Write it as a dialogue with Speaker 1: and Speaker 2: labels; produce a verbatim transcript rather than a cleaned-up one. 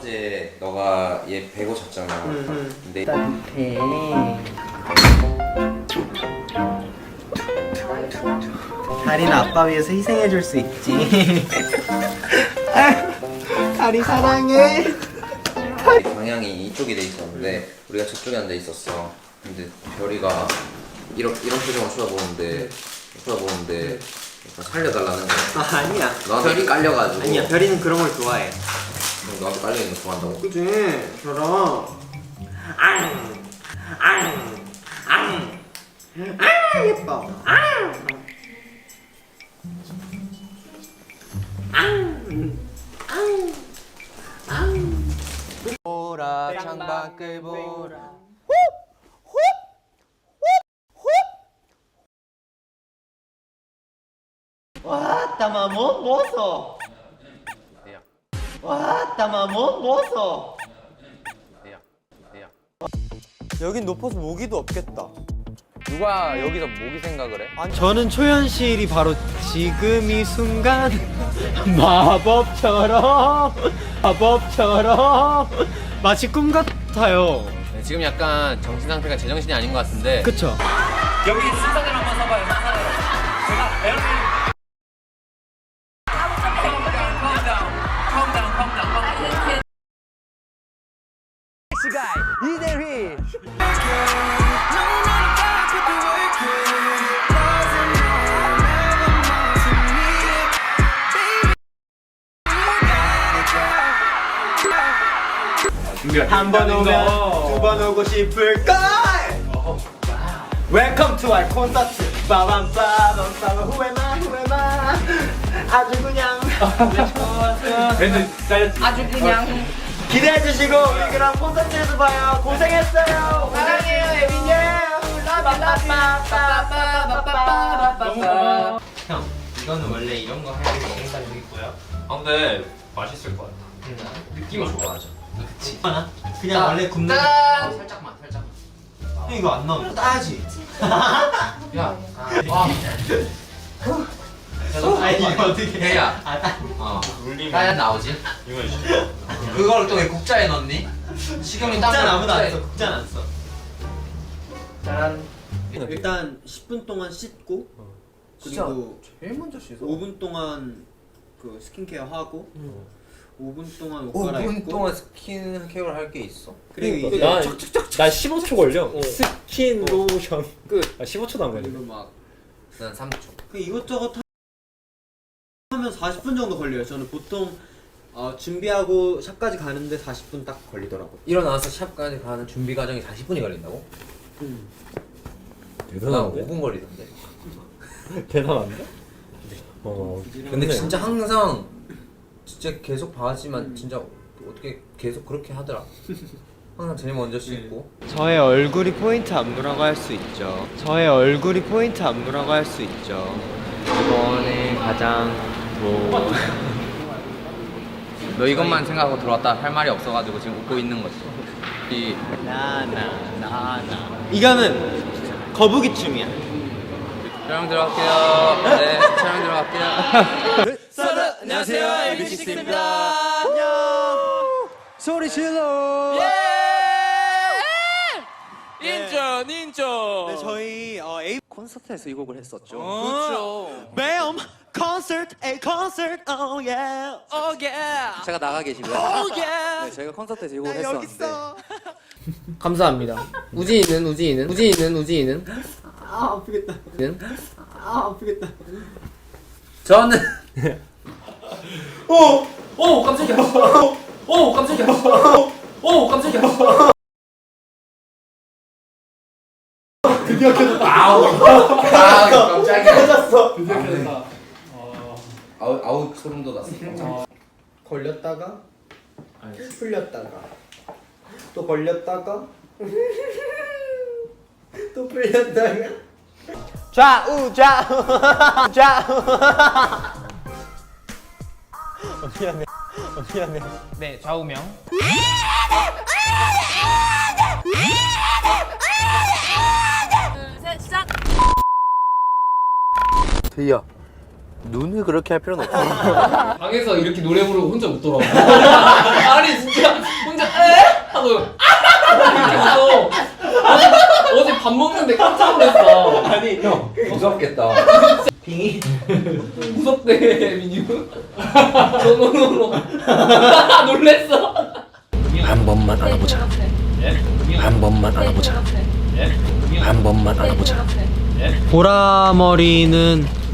Speaker 1: 어제 너가 얘 배고 잤잖아.
Speaker 2: 응, 응.
Speaker 1: 근데
Speaker 2: 따뜻해. 다리는 아빠 위해서 희생해줄 수 있지. 다리 사랑해.
Speaker 1: 방향이 이쪽이 돼 있었는데 우리가 저쪽에 앉아 있었어. 근데 별이가 이런 이런 표정을 쳐다보는데 쳐다보는데 살려달라는 거야.
Speaker 2: 아, 아니야.
Speaker 1: 너한테 별이 깔려가지고.
Speaker 2: 아니야, 별이는 그런 걸 좋아해.
Speaker 1: 너한테 깔려있는 거 좋아한다고?
Speaker 2: 그치? 저랑 앙! 앙! 앙! 아 예뻐. 앙! 앙! 앙! 앙!
Speaker 1: 보라 창밖을 보라.
Speaker 2: 와, 따마몬 뭐서? 와, 따마몬 뭐서? 여긴 높아서 모기도 없겠다.
Speaker 1: 누가 여기서 모기 생각을 해?
Speaker 2: 아니, 저는 초현실이 바로 지금 이 순간 마법처럼 마법처럼 마치 꿈 같아요.
Speaker 1: 네, 지금 약간 정신 상태가 제정신이 아닌 것 같은데.
Speaker 2: 그쵸?
Speaker 3: 여기 순서대로 한번 서봐요. 순서대로. 제가 배우를 이대휘.
Speaker 2: 한 번 오면 두 번 오고 싶을걸. Welcome to our 콘서트. 빠밤 빠밤 빠밤 Who am I? Who am I? 아주 그냥
Speaker 3: 아주 그냥
Speaker 2: 기대해 주시고 우리 그럼 콘서트에서 봐요. 고생했어요. 사랑해요 에빈이.
Speaker 4: 형, 이거는 원래 이런 거 할 때 먹는 사람도 있고요.
Speaker 5: 아 근데 맛있을 것 같아.
Speaker 4: 느낌이 좋아. 맞아. 그치.
Speaker 2: 하나? 그냥
Speaker 4: 딱,
Speaker 2: 원래 굽는.
Speaker 4: 딱! 살짝만, 살짝만.
Speaker 2: 형 이거 안 나오면 따야지.
Speaker 4: 야, 와.
Speaker 2: 아 이거 어떻게?
Speaker 4: 해야.
Speaker 2: 아 따.
Speaker 4: 어.
Speaker 5: 울리면
Speaker 4: 따야 나오지.
Speaker 5: 이거 해주세요.
Speaker 4: 그걸 또 왜 국자에 넣니? 식용유 딱.
Speaker 2: 국자는 아무도 안
Speaker 4: 국자에-
Speaker 2: 써. 국자는 안 써.
Speaker 4: 짠.
Speaker 2: 일단 십 분 동안 씻고 그리고
Speaker 1: 제일 먼저 씻어.
Speaker 2: 오 분 동안 그 스킨케어 하고 오 분 동안 옷
Speaker 1: 오
Speaker 2: 갈아입고
Speaker 1: 분 동안 스킨케어를 할 게 있어?
Speaker 2: 그리고 이제
Speaker 6: 나, 나 십오 초 걸려. 스킨 로션 끝. 아, 십오 초도 안 걸려.
Speaker 2: 그리고 막
Speaker 1: 난 삼 초.
Speaker 2: 그 이것저것 하면 사십 분 정도 걸려요. 저는 보통 어, 준비하고 샵까지 가는데 사십 분 딱 걸리더라고요.
Speaker 1: 일어나서 샵까지 가는 준비 과정이 사십 분이 걸린다고?
Speaker 2: 음.
Speaker 1: 난
Speaker 6: 대단한데?
Speaker 1: 오 분 걸리던데.
Speaker 6: 대단한데? 어.
Speaker 1: 근데 진짜 항상 진짜 계속 봐지만 진짜 어떻게 계속 그렇게 하더라. 항상 제일 먼저 씻고.
Speaker 2: 저의 얼굴이 포인트 안무라고 할 수 있죠. 저의 얼굴이 포인트 안무라고 할 수 있죠. 이번에 가장 뭐
Speaker 4: 너 이것만 생각하고 들어왔다 할 말이 없어가지고 지금 웃고 있는 거지. 이
Speaker 2: 나나나나 이거는 거북이 춤이야.
Speaker 4: 촬영 들어갈게요. 네, 촬영 들어갈게요.
Speaker 2: 안녕하세요 에이비식스입니다. 안녕. 소리 질러.
Speaker 3: 인천 인천.
Speaker 2: 네, 저희 어, 에이
Speaker 3: 콘서트에서 이 곡을 했었죠.
Speaker 4: 그렇죠.
Speaker 2: 매엄 콘서트 에이 콘서트 오 예.
Speaker 3: 오 예. 제가 나가 계시고요.
Speaker 2: 오 예.
Speaker 3: 네, 저희가 콘서트에서 이 곡을
Speaker 2: 나 여기
Speaker 3: 했었는데.
Speaker 2: 있어.
Speaker 3: 감사합니다. 우진이는 우진이는 우진이는 우진이는
Speaker 2: 아 아프겠다.
Speaker 3: 는
Speaker 2: 아 아프겠다.
Speaker 3: 저는
Speaker 2: 오.
Speaker 3: 오 깜짝이야. 오 깜짝이야. 오 깜짝이야.
Speaker 2: 드디어 켜졌다.
Speaker 3: 아우 아 깜짝이야.
Speaker 2: 켜졌어.
Speaker 6: 드디어 켜졌다.
Speaker 1: 아우 아우 소름 돋았어.
Speaker 2: 걸렸다가 풀렸다가 또 걸렸다가 또 풀렸다가 좌우 좌우 좌우. 어, 미안해. 어, 미안해.
Speaker 3: 네 좌우명.
Speaker 7: 둘, 셋, 시작!
Speaker 1: 대희야, 눈을 그렇게 할 필요는 없어.
Speaker 5: 방에서 이렇게 노래 부르고 혼자 웃더라고. 아니 진짜
Speaker 3: 놀랐어.
Speaker 1: 아니 형 무섭겠다.
Speaker 3: 빙이 무섭대 민유. 노노노노. 놀랬어.
Speaker 7: 한 번만 안아보자. 한 번만 안아보자. 한 번만 안아보자.
Speaker 2: 보라머리는